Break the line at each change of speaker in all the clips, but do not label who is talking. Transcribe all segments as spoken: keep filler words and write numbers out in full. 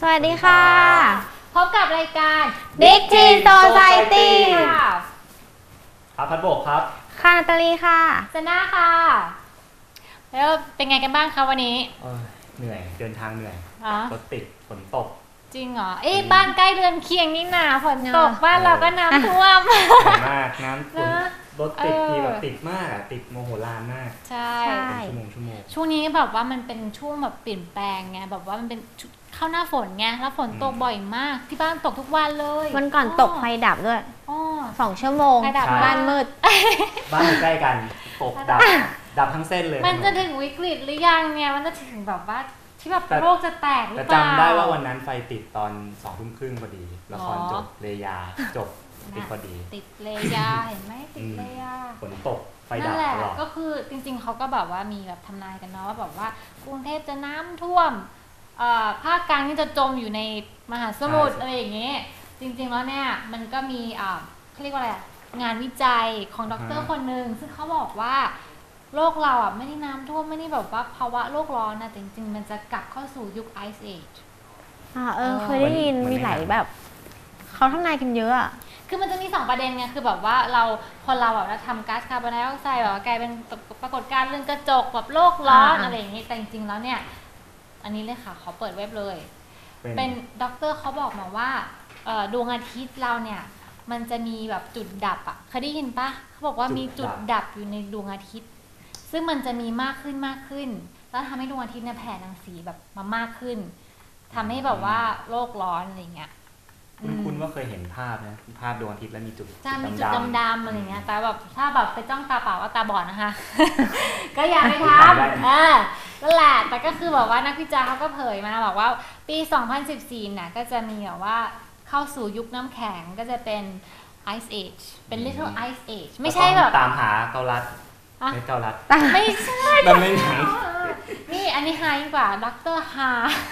สวัสดีค่ะ
พบกับรายการ
Big Teen Society
ค่ะ
ครับพัดโบกครับ
ค่ะนาตาลีค่ะ
เจน่าค่ะแล้วเป็นไงกันบ้างคะวันนี้
เหนื่อยเดินทางเหนื่อยรถติดฝนตก
จริงเหรอเอ้บ้านใกล้เรือนเคียงนี่นาฝนตกบ้านเราก็น้ำท่วม
มากน้ำฝนรถติดทีแบบติดมากติดโมโหลานมาก
ใช่
ชั่วโมงชั่วโมง
ช่วงนี้แบบว่ามันเป็นช่วงแบบเปลี่ยนแปลงไงแบบว่ามันเป็นเข้าหน้าฝนไงแล้วฝนตกบ่อยมากที่บ้านตกทุกวันเลย
วันก่อนตกไฟดับด้วยสองชั่วโมงบ้านมืด
บ้านอยู่ใกล้กันตกดับดับทั้งเส้นเลย
มันจะถึงวิกฤตหรือยังเนี่ยมันจะถึงแบบว่าที่แบบโลกจะแตกหรือเป
ล่าแต่จำได้ว่าวันนั้นไฟติดตอนสองทุ่มครึ่งพอดีละครจบเลยาจบติดพอดี
ติดเลยาเห็นไหมติดเลยา
ฝนตกไฟดับตลอด
ก็คือจริงๆเขาก็แบบว่ามีแบบทำนายกันเนาะว่าแบบว่ากรุงเทพจะน้ำท่วมภาคกลางนี่จะจมอยู่ในมหาสมุทรอะไรอย่างเงี้ยจริงๆแล้วเนี่ยมันก็มีเขาเรียกว่าอะไรงานวิจัยของด็อกเตอร์คนหนึ่งซึ่งเขาบอกว่าโลกเราอ่ะไม่ได้น้ำท่วมไม่ได้แบบว่าภาวะโลกร้อนนะแต่จริงๆมันจะกลับเข้าสู่ยุคไอซ์เอจ
อ่าเออเคยได้ยินมีหลายแบบเขาทำนายกันเยอะอ่ะ
คือมันจะมีสองประเด็นไงคือแบบว่าเราพอเราแบบเราทำก๊าซคาร์บอนไดออกไซด์แบบว่ากลายเป็นปรากฏการณ์เรื่องกระจกแบบโลกร้อนอะไรอย่างนี้แต่จริงๆแล้วเนี่ยอันนี้เลยค่ะขอเปิดเว็บเลยเป็นด็อกเตอร์เขาบอกมาว่าดวงอาทิตย์เราเนี่ยมันจะมีแบบจุดดับอ่ะเคยได้ยินปะเขาบอกว่ามีจุดดับอยู่ในดวงอาทิตย์ซึ่งมันจะมีมากขึ้นมากขึ้นแล้วทำให้ดวงอาทิตย์เนี่ยแผ่รังสีแบบมามากขึ้นทำให้แบบว่าโลกร้อนอะไรเงี้ย
คุณคุณว่าเคยเห็นภาพนะภาพดวงอาทิตย์แล้วมีจุด
จะมีจุดดำๆอะไรเงี้ยแต่แบบถ้าแบบไปจ้องตาเปล่าว่าตาบอดนะคะก็อย่าไปทำเออนั่นแหละแต่ก็คือแบบว่านักวิจัยเขาก็เผยมาบอกว่าปีสองพันสิบสี่น่ะก็จะมีแบบว่าเข้าสู่ยุคน้ำแข็งก็จะเป็น Ice Age เป็น Little Ice Age ไม่ใช่แบบ
ตามหาเกาลัดไม่เกาลัด
ไม่ใช่
แบบไม่หนัง
นี่อันนี้ฮายิ่งกว่าด็อกเตอร์ฮา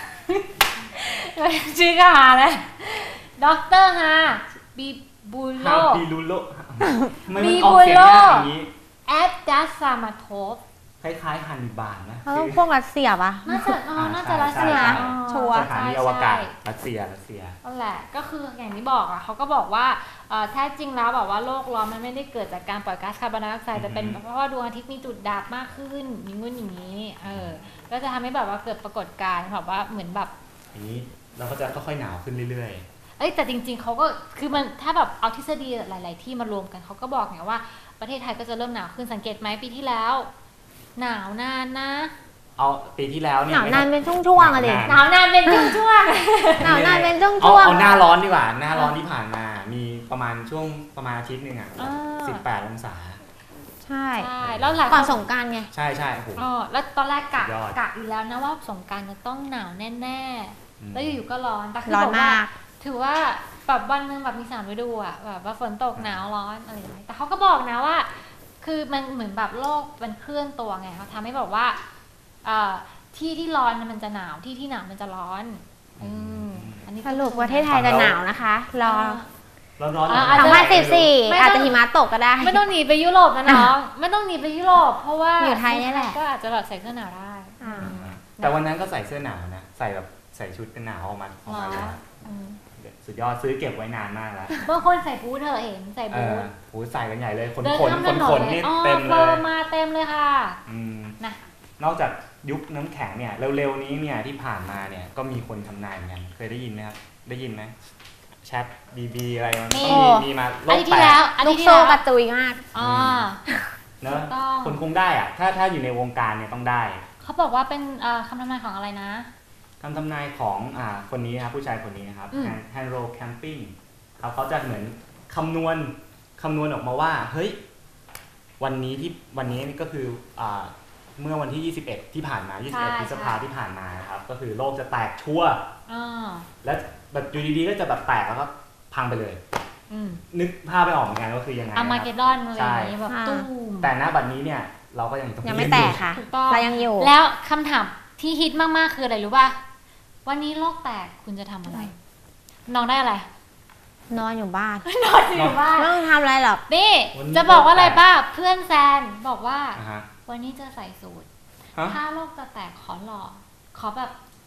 ชื่อก็ฮาเลยด็อกเตอร์ฮาบีบูโล
บีบูโล
บีบูโลแอดดัสซามาโทฟ
คล้ายๆฮันนิบาลนะ
เขาต้องพวกรัสเซียปะ
น่าจะอ๋อน่าจะรัสเซีย
ชัวร์
สถานีอวกาศรัสเซียรัสเซีย
นั่นแหละก็คืออย่างที่บอกอ่ะเขาก็บอกว่าแท้จริงแล้วแบบว่าโลกร้อนมันไม่ได้เกิดจากการปล่อยก๊าซคาร์บอนไดออกไซด์แต่เป็นเพราะว่าดวงอาทิตย์มีจุดดับมากขึ้นอย่างงู้นอย่างนี้เออก็จะทำให้แบบว่าเกิดปรากฏการณ์แบบว่าเหมือนแบบ
อย่างนี้เราก็จะค่อยๆหนาวขึ้นเรื่อย
ๆเอ้ยแต่จริงๆเขาก็คือมันถ้าแบบเอาทฤษฎีหลายๆที่มารวมกันเขาก็บอกไงว่าประเทศไทยก็จะเริ่มหนาวขึ้นสังเกตไหมปีที่แล้วหนาวนานนะ
เอาปีที่แล้วเนี่ย
หนาวนานเป็นช่วงๆอะดิ
หนาวนานเป็นช่วง
ๆหนาวนานเป็นช่วง
ๆเอาหน้าร้อนดีกว่าหน้าร้อนที่ผ่านมามีประมาณช่วงประมาณอาทิตย์นึงอ่ะสิบแปดองศา
ใช่
แล้วหลัง
ก่อนสงกรานต์ไง
ใช่ใช่โอ้โห
แล้วตอนแรกกะกะอยู่แล้วนะว่าสงกรานต์จะต้องหนาวแน่ๆแล้วอยู่ๆก็ร้อนแต่คือบอกว่าถือว่าแบบวันนึงแบบมีสามฤดูอ่ะแบบว่าฝนตกหนาวร้อนอะไรอย่างเงี้ยแต่เขาก็บอกนะว่าคือมันเหมือนแบบโลกมันเคลื่อนตัวไงเขาทำให้แบบว่าที่ที่ร้อนมันจะหนาวที่ที่หนาวมันจะร้อน
อันนี้สรุปประเทศไทยจะหนาวนะคะรอ
ร้อนร้อน
สองพันสิบสี่อาจจะหิมะตกก็ได้
ไม่ต้องหนีไปยุโรปนะน้องไม่ต้องหนีไปยุโรปเพราะว่า
อยู่ไทยนี่แหละ
ก็อาจจะแบบใส่เสื้อหนาวได้
แต่วันนั้นก็ใส่เสื้อหนาวนะใส่แบบใส่ชุดกันหนาวออกมาออกมาเลยสุดยอดซื้อเก็บไว้นานมากแล้ว
บางคนใส่บูทเธอเห็นใส่บูท
หูใส่กันใหญ่เลยขนขนขนขนนี่เต็ม
เลยมาเต็มเลยค่ะ
นะนอกจากยุคน้ำแข็งเนี่ยเร็วๆนี้เนี่ยที่ผ่านมาเนี่ยก็มีคนทำนายเหมือนกันเคยได้ยินไหมครับได้ยินไหมแชทบีบีอะไรมันมีมีมา
โลกแตก
ลูกโซ่กระจุยมาก
อ๋อ
เนอะคนคงได้อะถ้าถ้าอยู่ในวงการเนี่ยต้องได้
เขาบอกว่าเป็นคำทำนายของอะไรนะ
คำทำนายของอ่าคนนี้นะครับผู้ชายคนนี้นะครับแฮนโรแคมปิ้งเขาเขาจะเหมือนคำนวณคำนวณออกมาว่าเฮ้ยวันนี้ที่วันนี้ก็คืออ่าเมื่อวันที่ยี่สิบเอ็ดที่ผ่านมายี่สิบเอ็ดพฤษภาที่ผ่านมานะครับก็คือโลกจะแตกชั่วแล้วแบบอยู่ดีๆก็จะแบบแตกแล้วก็พังไปเลยนึกภาพไม่ออกเหมือนกันว่าคือยังไง
อาร์มาเกดดอนอะไรอย่างนี้แบบตุ้ม
แต่ณบัดนี้เนี่ยเราก็ยังต้อง
ยังไม่แตกค่ะเรายังอยู่
แล้วคำถามที่ฮิตมากๆคืออะไรรู้ป่ะวันนี้โลกแตกคุณจะทำอะไรน้องได้อะไร
นอนอยู่บ้าน
นอนอยู่บ้าน
ไม่ต้องทำอะไรหรอก
นี่จะบอกว่าอะไรป่ะเพื่อนแซนบอกว่าวันนี้จะใส่สูทถ้าโลกจะแตกขอหล่อขอแบบ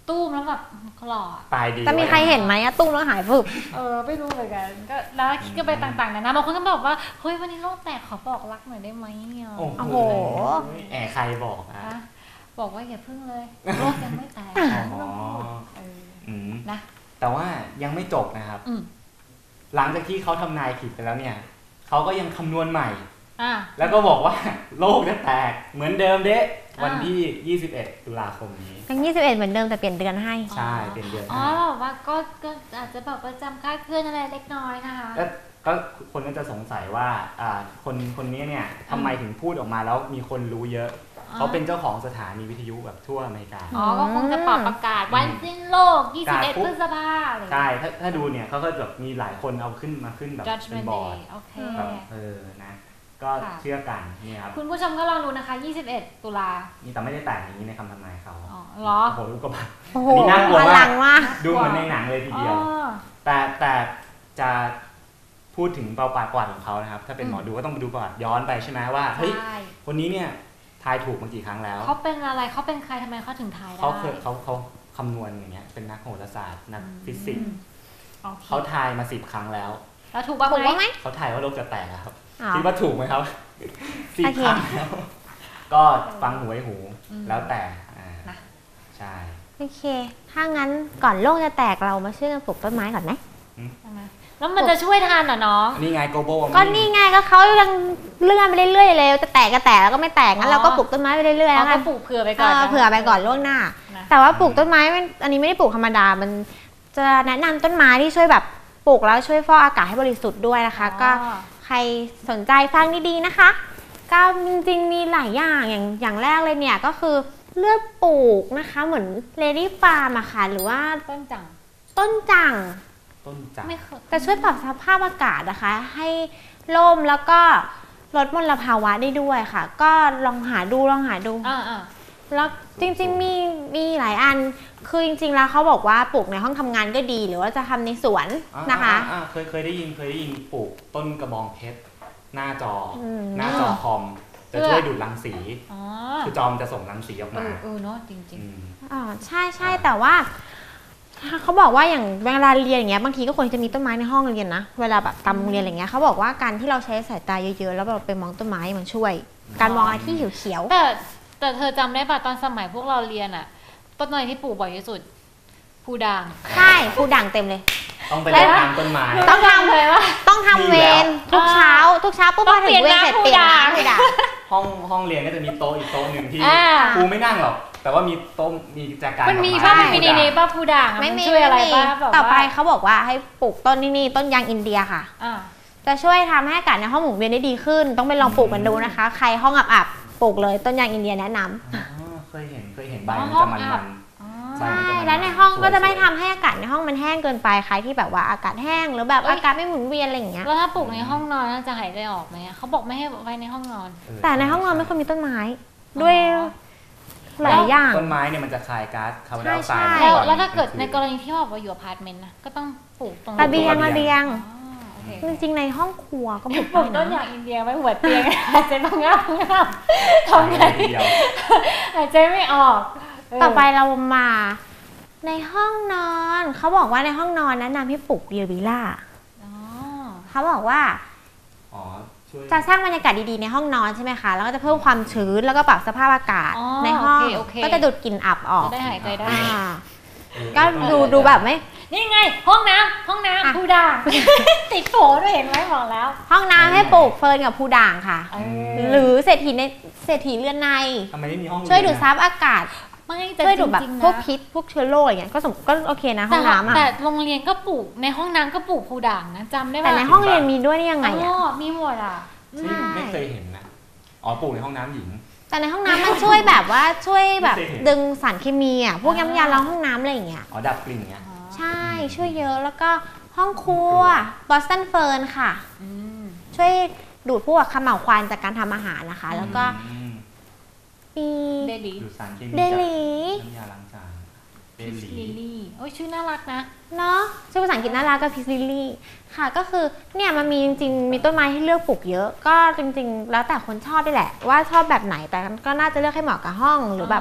ตู้มแล้วแบบหล่อ
ตายดี
แต่มีใครเห็นไหมอะตุ้มแล้วหายฟึบ
เออไม่รู้เหมือนกันก็แล้วคิดกันไปต่างๆนะนะบางคนก็บอกว่าเฮ้ยวันนี้โลกแตกขอบอกรักหน่อยได้ไหมอ่ะ
โอ้
โอ้
โห
โห
แอบใครบอกอ่ะ
นะบอกว่าอย่าพึ่งเลยโลกยังไม่แตก
อ๋อ
เออ
อืม
นะ
แต่ว่ายังไม่จบนะครับ
อืม
หลังจากที่เขาทำนายผิดไปแล้วเนี่ยเขาก็ยังคำนวณใหม่
อ่ะ
แล้วก็บอกว่าโลกจะแตกเหมือนเดิมเด้
อ่า
วันที่ ยี่สิบเอ็ด ตุลาคมนี้
ยังยี่สิบเอ็ดเหมือนเดิมแต่เปลี่ยนเดือนให้
ใช่เป็นเดือนห
อ๋อ
น้า
แบบว่าก็ก็อาจจะแบบประจำคลาดเคลื่อนอะไรเล็กน้อยนะคะ
ก็ก็คนก็จะสงสัยว่าอ่าคนคนนี้เนี่ยทำไมถึงพูดออกมาแล้วมีคนรู้เยอะ เขาเป็นเจ้าของสถานีวิทยุแบบทั่วอเมริกา
อ๋อก็คงจะปรับประกาศวันสิ้นโลก ยี่สิบเอ็ด
ประกาศปุ๊บ
พฤษภาอะไรอย่าง
ใช่
เงี้ย
ถ้าถ้าดูเนี่ยเขาก็แบบมีหลายคนเอาขึ้นมาขึ้นแบบเป็น
Judgment
บอร์ด
Day โอเค
แบบเออนะ ก็
ค่ะ
เชื่อกันนี่ครับ
คุณผู้ชมก็ลองดูนะคะ ยี่สิบเอ็ด ตุลา
นี่แต่ไม่ได้แต่งอย่างนี้ในคำทำนายเขา
อ๋อเหรอ
โอ้โหลูกกระบาด
โอ้โห
อันนี้น่ากลัว
อ
มาก
ลังมาก
ดูเหมือนในหนังเลยทีเดียว
อ๋อ
แต่แต่จะพูดถึงเปาปากกวาดของเขานะครับ ถ้าเป็น
อืม
หมอดูก็ต้องไปดูประวัติย้อนไปใช่ไหมว่าเฮ้ย
ใช่
คนนี้เนี่ยทายถูกมากี่ครั้งแล้ว
เขาเป็นอะไรเขาเป็นใครทำไมเขาถึงทายได้
เขาเคยเขาเขาคำนวณอย่างเงี้ยเป็นนักโหราศาสตร์นักฟิสิกส์
โอค
เขาทายมาสิบครั้งแล้ว
แล้วถูกบ้าง
ถูก
ไหม
บ้างไหม
เขาทายว่าโลกจะแตกอะครับ
อ๋อ
คิดว่าถูกไหมครับสิบ
โอเค
ครั้งแล้วก็ฟังหูไว้หู
อืม
แล้วแต่อ่า
นะ
ใช่
โอเค ถ้างั้นก่อนโลกจะแตกเรามาช่วยกันปลูกต้นไม้ก่อนไหม
ใช่ไหมแล้วมันจะช่วยทันเหรอน้อง
นี่ไง global
ก็นี่ไงก็เขายังเลื่อนไปเรื่อยๆเลยจะแตกก็แตกแล้วก็ไม่แตกงั้นเราก็ปลูกต้นไม้ไปเรื่อยๆ
เรา
แล้วกั
ก็
น
ปลูกเผื่อไป
เอ
ก่อน
อ
นะ
เผื่อไปก่อนล่วงหน้า
นะ
แต่ว่าปลูกต้นไม้มันอันนี้ไม่ได้ปลูกธรรมดา มันจะแนะนำต้นไม้ที่ช่วยแบบปลูกแล้วช่วยฟอกอากาศให้บริสุทธิ์ด้วยนะคะ ก็
อ๋อ
ใครสนใจฟังดีๆนะคะ ก็จริงๆมีหลายอย่างอย่างอย่างแรกเลยเนี่ยก็คือเลือกปลูกนะคะเหมือนเลดี้ฟาร์มอะค่ะหรือว่า
ต้นจัง
ต้นจัง
ต้นจักร
ไม่เคย
จะช่วยปรับสภาพอากาศนะคะ ให้ร่มแล้วก็ลดมลภาวะได้ด้วยค่ะ ก็ลองหาดูลองหาดู
อ่าอ่า
แล้วจริงๆมีมีหลายอันคือจริงๆแล้วเขาบอกว่าปลูกในห้องทำงานก็ดี หรือว่าจะทำในสวน
อ่า
นะคะ
อ่าอ่าเคยเคยได้ยินเคยได้ยินปลูกต้นกระบองเพชรหน้าจออ
ม
หน้าจอคอมจะช่วยดูดรังสี
อ๋อ
คือจอมจะส่งรังสีออก
เอ
มา
อเออเนาะจริง
อืม
อ๋อใช่ใช่แต่ว่าเขาบอกว่าอย่างเวลาเรียนอย่างเงี้ยบางทีก็ควรจะมีต้นไม้ในห้องเรียนนะเวลาแบบตามโรงเรียนอะไรเงี้ยเขาบอกว่าการที่เราใช้สายตาเยอะๆแล้วเราไปมองต้นไม้มันช่วย การมองอะไรที่เขียว
ๆแต่แต่เธอจำได้ป่ะตอนสมัยพวกเราเรียนอะต้นไม้ที่ปลูกบ่อยที่สุดภูด่าง
ๆใช่ผู้ด่างเต็มเลย
ต้องไป
แล้
เล่
ว
นน้ำต้นไม้
ต้องทำ
เลยว่า
ต้องทำเวรทุกเช้า ทุกเช้าปุ๊บ
ต้
พ
อ
อง ถึ
เปลี่ย
ง
น
เวรเสร็จ
น้ำ
เปลี่ยน
ผู้ด่าง
น้ำผู้ด่าง
ห้องห้องเรียนก็จะมีโต๊ะอีกโต๊ะหนึ่งที่
อ่า
ครูไม่นั่งหรอก แต่ว่ามีโต๊ะมีกิจการ
มันมี
ดอก
ป้า
ไ
มันมีในนี้ป้าภูด่างอะ
ไม่
มัน
มี
ช่วยอะไร
ไม่มี
ป้าแบบ
ต่อไป
ว่า
เขาบอกว่าให้ปลูกต้นนี่นี่ต้นยางอินเดียค่ะ
อ่า
จะช่วยทำให้อากาศในห้องหมุนเวียนได้ดีขึ้น ต้องไปลองปลูกกันดูนะคะ ใครห้องอับๆปลูกเลยต้นยางอินเดียแนะนำ
อ๋อเคยเห็นเคยเห็นใบ
อ๋อ
มันจะมัน
ห้องอั
มั
บ
น
อ๋อ
ใช่
ใช่แล้วในห้องก็จะไม่ทำให้อากาศในห้องมันแห้งเกินไปใครที่แบบว่าอากาศแห้งหรือแบบ
เอ้ย
อากาศไม่หมุนเวียนอะไรอย่างเงี้ย
แล้วถ้าปลูกในห้องนอนน่าจะหายใจออกไหมอะเขาบอกไม่ให้ไว้ในห้องนอน
แต่ในห้องนอนไม่ควรมีต้นไม้ ด้วยหลายอย่าง
ต้นไม้เนี่ยมันจะคายก๊าซคาร์บอนไดออกไซด์
ใช่
แล้ว
ก่อน
แล้วถ้าเกิด
ลงคื
ในกรณีที่ว่าบอกว่าอยู่อพาร์ตเมนต์นะก็ต้องปลูกตรง
ระเบียงระเบียง
อ๋อโอเค
จริงๆในห้องครัวก็ปลูก
ปลูกต้
ได้
นอ
นะ
ย่างอินเดียไว้หัวเตียง หายใจบางงาบงาบทำไง
ทีเดียว
หายใจไม่ออกเ
ต่อไปเรามา ในห้องนอนเขาบอกว่าในห้องนอนแนะนำให้ปลูกเยวิล่า
อ๋อ
เขาบอกว่า
อ๋อช่วย
จะสร้างบรรยากาศดีๆในห้องนอนใช่ไหมคะ แล้วก็จะเพิ่มความชื้นแล้วก็ปรับสภาพอากาศ
อ๋อ
ในห้อง
โอเคโอเค
ก็จะดูดกลิ่นอับออก
จะได้หายใจได้
อ่า
เออ
ก็ดูดูแบบไม่
นี่ไง ห้องน้ำห้อง
อ่ะ
น้ำผู้ด่าง ติดโผด้วยเห็นไหมบอกแล้ว
ห้องน้ำให้ปลูกเฟิร์นกับพูด่างค่ะ
เอ
หรือเศรษฐีในเศรษฐีเรือนใน
ทำไมไม่มีห้อง
ช่วยดูด
เรีน
ซับอากาศ
ไม่แต่
ช่วย
จ
ดูดแบบ
ริงๆ
พวก
นะ
พิษพวกเชื้อโรคอย่างเงี้ยก็สมก็โอเคนะห้
แต่
องน้ำอ่ะ
แต่โรงเรียนก็ปลูกในห้องน้ำก็ปลูกผู้ด่างนะจำได้ปะ
แต่ในห้องเรียนมีด้วยได้ยังไง
อ๋
อ่ะ
อมีหมดอ่ะ
ไม่ไม่เคยเห็นนะอ๋อปลูกในห้องน้ำหญิง
แต่ในห้องน้ำมันช่วยแบบว่าช่วยแบบ
ไม่เคยเห็น
ดึงสารเคมีอ่ะพวกน้ำยาล้างห้องน้ำอะไรอย่างเงี้ย
อ๋อดับกลิ่นเงี้ย
ใช่ช่วยเยอะแล้วก็ห้องครัวบอสตันเฟิร์นค่ะ
อืม
ช่วยดูดพวกขม่าวควันจากการทำอาหารนะคะ แล้วก็
อืม
มี
เดลี
ดูดสารเคมี
เด
จาก
ลี
น้ำยาล้างจานเด
ลิ
ลี
ลลี่โอ้ยชื่อน่ารักนะ
เนาะชื่อภาษาอังกฤษน่ารักก็พิซลิลลี่ค่ะก็คือเนี่ยมันมีจริงๆมีต้นไม้ให้เลือกปลูกเยอะ ก็จริงๆ แล้วแต่คนชอบด้วยแหละ ว่าชอบแบบไหนแต่ก็น่าจะเลือกให้เหมาะกับห้องหรือแบบ
อ่า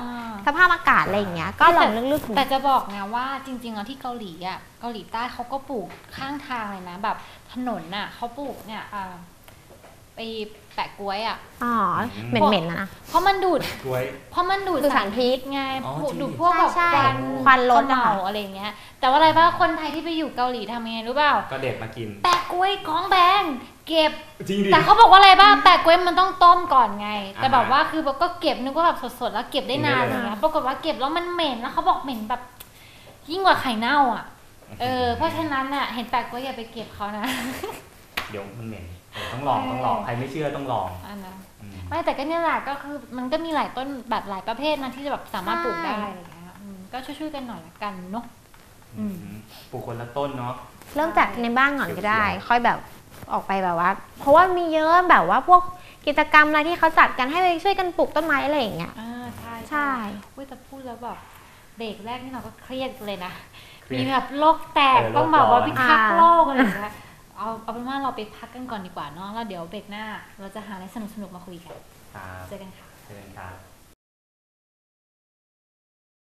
สภาพอากาศอะไรอย่างเงี้ยก็ลองเลือกๆ
แต่จะบอกนะว่าจริงๆแล้วที่เกาหลีอ่ะเกาหลีใต้เขาก็ปลูกข้างทางเลยนะแบบถนนน่ะเขาปลูกเนี่ยอ่าไปแปะกล้วยอ่ะ
อ๋อเหม็นๆนะนะ
เพราะมันดูด
กล้วย
เพราะมันดูด
ดูดสารพิษ
ไง
อ๋อ
ดูด
จริง
พวกแบบ
ใช่
ควัน
ควันรถ
เมา
อะ
อะไรอย่างเงี้ย แต่ว่าอะไรบ้างคนไทยที่ไปอยู่เกาหลีทำยังไงรู้เปล่า
ก็เด็ดมากิน
แปะกล้วยของแพงเก็บ
จริงดิ
แต่เขาบอกว่าอะไรบ้างแปะกล้วยมันต้องต้มก่อนไง แต่
อ่าฮะ
แบบว่าคือแบบก็เก็บนึกว่าแบบสดๆแล้วเก็บได้นาน
กินได้
เล
เลย ย
นะปรากฏว่าเก็บแล้วมันเหม็นแล้วเขาบอกเหม็นแบบ ยิ่งกว่าไข่เน่าอ่ะ เออเพราะฉะนั้นน่ะเห็นแปะกล้วยอย่าไปเก็บเขานะ
เดี๋ยวมันเหม็นเออต้องลองต้องลองใครไม่เชื่อต้องลอง
อันนะ
อืม
ไม่แต่ก็เนี่ยแหละก็คือมันก็มีหลายต้นแบบหลายประเภทนะที่จะแบบสามารถปลูกได้อะไรอย่างเงี้ยอืมก็ช่วยๆกันหน่อยละกันเนาะ อืม
ปลูกคนละต้นเนาะ
เริ่มจากในบ้านก่อนก็ได้ ค่อยแบบออกไปแบบว่า เพราะว่ามีเยอะแบบว่าพวกกิจกรรมอะไรที่เขาจัดกันให้ไปช่วยกันปลูกต้นไม้อะไรอย่างเงี้ย
อ่าใช่
ใช่
เว้ยแต่พูดแล้วแบบเบรกแรกนี่เราก็เครียดเลยนะ
เครียด
มีแบบโลกแตก
เออ
ต้องแบบว่า
โลกร้อน
พิทักษ์โลกอะไรอย่างเงี้ยเอาเอาเป็นว่าเราไปพักกันก่อนดีกว่าเนาะแล้วเดี๋ยวเบรกหน้า เราจะหาอะไรสนุกๆมาคุยกัน
ครับ
เจอกันค่ะ
เชิญครับ